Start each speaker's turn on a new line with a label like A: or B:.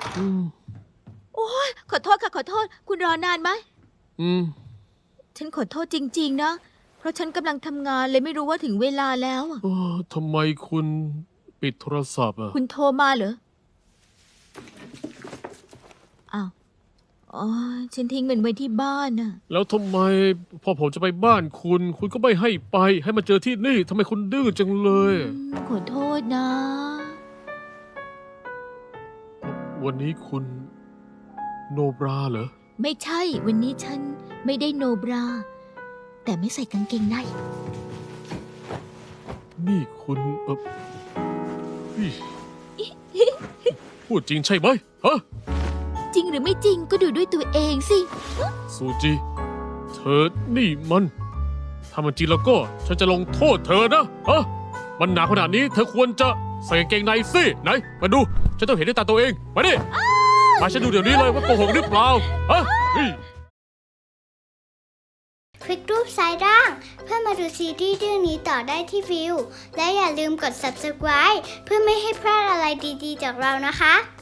A: อืม
B: โอ้ยขอโทษค่ะขอโทษ คุณรอนานไหม
A: อืม
B: ฉันขอโทษจริงๆนะ เพราะฉันกำลังทำงานเลยไม่รู้ว่าถึงเวลาแล้วอะ
A: ทำไมคุณปิดโทรศัพท์อ่ะ
B: คุณโทรมาเหรอ อ้าวอ๋อฉันทิ้งมันไว้ที่บ้านน่ะ
A: แล้วทำไมพอผมจะไปบ้านคุณ คุณก็ไม่ให้ไป ให้มาเจอที่นี่ทำไมคุณดื้อจังเลย
B: ขอโทษนะ
A: วันนี้คุณโนบราเหรอ
B: ไม่ใช่ วันนี้ฉันไม่ได้โนบรา แต่ไม่ใส่กางเกงใน
A: นี่คุณอิ๊ยพูดจริงใช่ไหมฮะ
B: จริงหรือไม่จริงก็ดูด้วยตัวเองสิ
A: ซูจิ เธอนี่มัน ถ้ามันจริงแล้วก็ ฉันจะลงโทษเธอนะฮะมันหนาขนาดนี้เธอควรจะใส่กางเกงในสิไหน มาดู ฉันต้องเห็นด้วยตาตัวเอง มาดิ มาฉันดูเดี๋ยวนี้เลยว่าโกหกหรือเปล่าฮะอิ๊ย
C: คลิกรูปซ้ายล่าง เพื่อมาดูซีรีส์เรื่องนี้ต่อได้ที่วิว และอย่าลืมกด subscribe เพื่อไม่ให้พลาดอะไรดีๆจากเรานะคะ